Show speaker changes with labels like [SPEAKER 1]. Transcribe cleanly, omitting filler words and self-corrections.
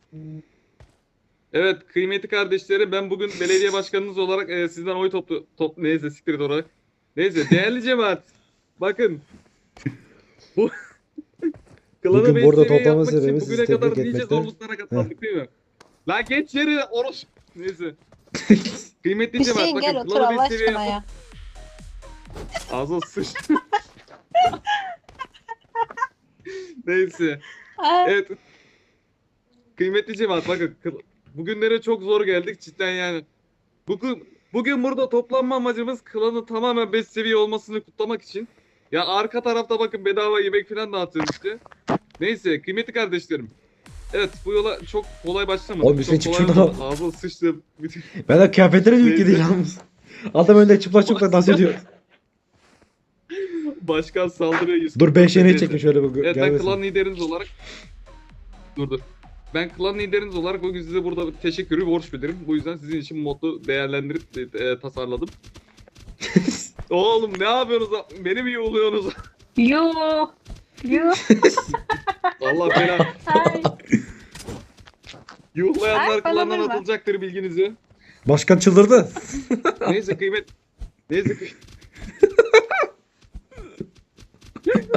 [SPEAKER 1] Evet kıymetli kardeşlerim, ben bugün belediye başkanınız olarak sizden oy neyse siktir et olarak. Neyse değerli cemaat, bakın bu klanı
[SPEAKER 2] Bugün
[SPEAKER 1] 5
[SPEAKER 2] burada
[SPEAKER 1] seviye
[SPEAKER 2] toplama
[SPEAKER 1] yapmak
[SPEAKER 2] sebebi
[SPEAKER 1] için
[SPEAKER 2] sizi
[SPEAKER 1] bugüne
[SPEAKER 2] tebrik
[SPEAKER 1] kadar nice
[SPEAKER 2] etmekte.
[SPEAKER 1] zorluklara
[SPEAKER 2] Heh.
[SPEAKER 1] katlandık değil mi? La geç yeri oruç. Neyse. Kıymetli cemaat,
[SPEAKER 3] Hüseyin gel
[SPEAKER 1] bakın
[SPEAKER 3] otur
[SPEAKER 1] klanı 5
[SPEAKER 3] Allah
[SPEAKER 1] seviye
[SPEAKER 3] aşkına
[SPEAKER 1] yapmak...
[SPEAKER 3] ya.
[SPEAKER 1] Ağzına sıç. Neyse.
[SPEAKER 3] Ay,
[SPEAKER 1] Evet. Kıymetli cemaat, bakın bugünlere çok zor geldik cidden yani. Bugün burada toplanma amacımız klanın tamamen 5 seviye olmasını kutlamak için. Ya arka tarafta bakın bedava yemek falan dağıtıyoruz işte. Neyse kıymetli kardeşlerim. Evet bu yola çok kolay başlamadık.
[SPEAKER 2] Oğlum Hüseyin
[SPEAKER 1] Çok
[SPEAKER 2] çık
[SPEAKER 1] kolay
[SPEAKER 2] şuradan.
[SPEAKER 1] olmadı. Ağzına sıçtım. Bütün...
[SPEAKER 2] Ben de kıyafetleri de yüklü değil
[SPEAKER 1] Neyse.
[SPEAKER 2] yalnız. Adam önde çıplak dans ediyor.
[SPEAKER 1] Başkan saldırıyor 100.
[SPEAKER 2] Dur 5 yeni
[SPEAKER 1] Neyse.
[SPEAKER 2] çekin şöyle bu
[SPEAKER 1] Evet ben
[SPEAKER 2] gelmesin.
[SPEAKER 1] klan lideriniz olarak... Dur. Ben klan lideriniz olarak bugün size burada teşekkürü borç bilirim. Bu yüzden sizin için modlu değerlendirip tasarladım. Oğlum ne yapıyorsunuz? Beni mi yolluyorsunuz?
[SPEAKER 3] Yo. Yo.
[SPEAKER 1] Allah belanı.
[SPEAKER 3] Ay.
[SPEAKER 1] Yuhlayanlar
[SPEAKER 3] Ay, bana
[SPEAKER 1] klandan
[SPEAKER 3] vurma.
[SPEAKER 1] atılacaktır bilginizi.
[SPEAKER 2] Başkan çıldırdı.
[SPEAKER 1] Neyse